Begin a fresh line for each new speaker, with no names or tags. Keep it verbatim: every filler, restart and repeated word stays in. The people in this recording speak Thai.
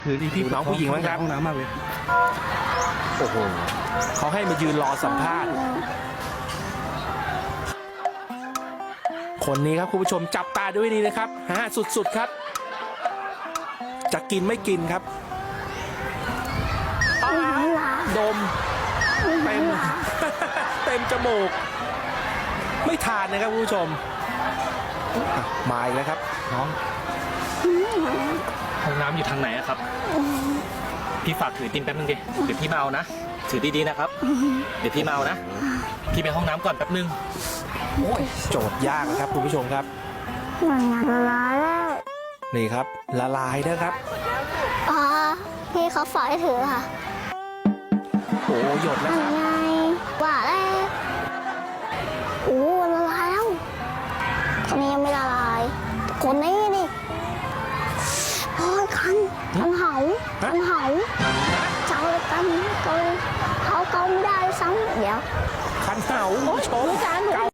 คือพี่น้องผู้หญิงมั้งครับ
ห้องน้ำมากเลย
โอ้โหเขาให้มายืนรอสัมภาษณ์ คนนี้ครับคุณผู้ชมจับตาด้วยนี่นะครับฮะสุดๆครับ จะกินไม่กินครับอ้าวดมเต็ม เต็มจมูก ไม่ทานนะครับคุณผู้ชมอ่ะมาอีกแล้วครับน้อง
ห้องน้ำอยู่ทางไหนอะครับ พี่ฝากถือติมแป๊บนึงดิเดี๋ยวพี่มาเอานะถือดีๆนะครับ เดี๋ยวพี่มาเอานะพี่ไปห้องน้ำก่อนแป๊บนึง
โจทย์ยากนะครับคุณผู้ชมครับ
มันอยากละลายแล้ว
นี่ครับละลายนะครับ
อ๋อพี่เขาฝากให้ถือค่ะ
โอ้หยดแล้วครับ
ไงว่าแล้วโอ้ละลายแล้วคนนี้ยังไม่ละลายคนนี้นี่โอ้ยคันคันเหาคันเหาเจ้าเลยกันเกาเขาเกาไม่ได้ซ้ำเดี๋ยว
คันเหาคุณผู้ชม
ดูจานหนู
เกา